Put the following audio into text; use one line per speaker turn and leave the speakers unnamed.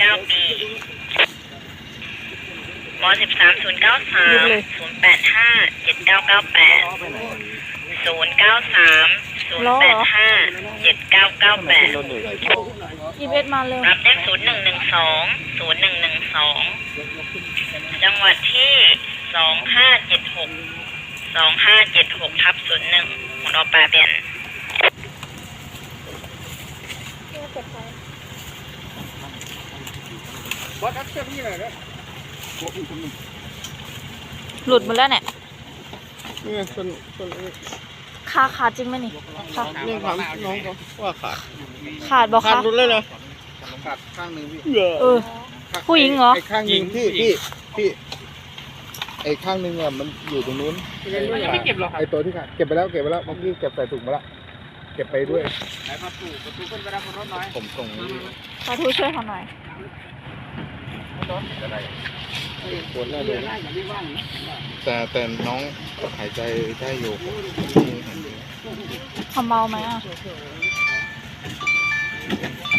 19 ปีว13 093 085 7998 093 085 7998
21มาเร็ว
รับแจ้ง0112 0112 จังหวัดที่ 2576/01หมุนออกปลาเปลี่ยน
บอสทักเชื่อพี่หน่อยนะ
หลุดหมดแล้วเนี่ย
นี่ส่วน
ขาดจริงไหมนี่ขา
นี่ถามน้องเขาว่าขาด
ขาดบอก
ขาด
คะ
หลุดเลยเหรอขาดข้างหนึ่งพี่
ผู้หญิงเหรอ
ไอ้ข้างหนึ่งพี่ไอ้ข้างหนึ่งอ่ะมันอยู่ตรงนู้นไม่เก็บหรอไอ้ตัวที่ขาดเก็บไปแล้วเมื่อกี้เก็บใส่ถุงมาละเก็บไปด้วยไหนประตูขึ้นไปรับบนรถน้อยผมส่งนี้
ขอทูช่วยเขาหน่อย
ปวดแล้วเลยแต่น้องหายใจได้อยู่
เขาเมาไหมอ่ะ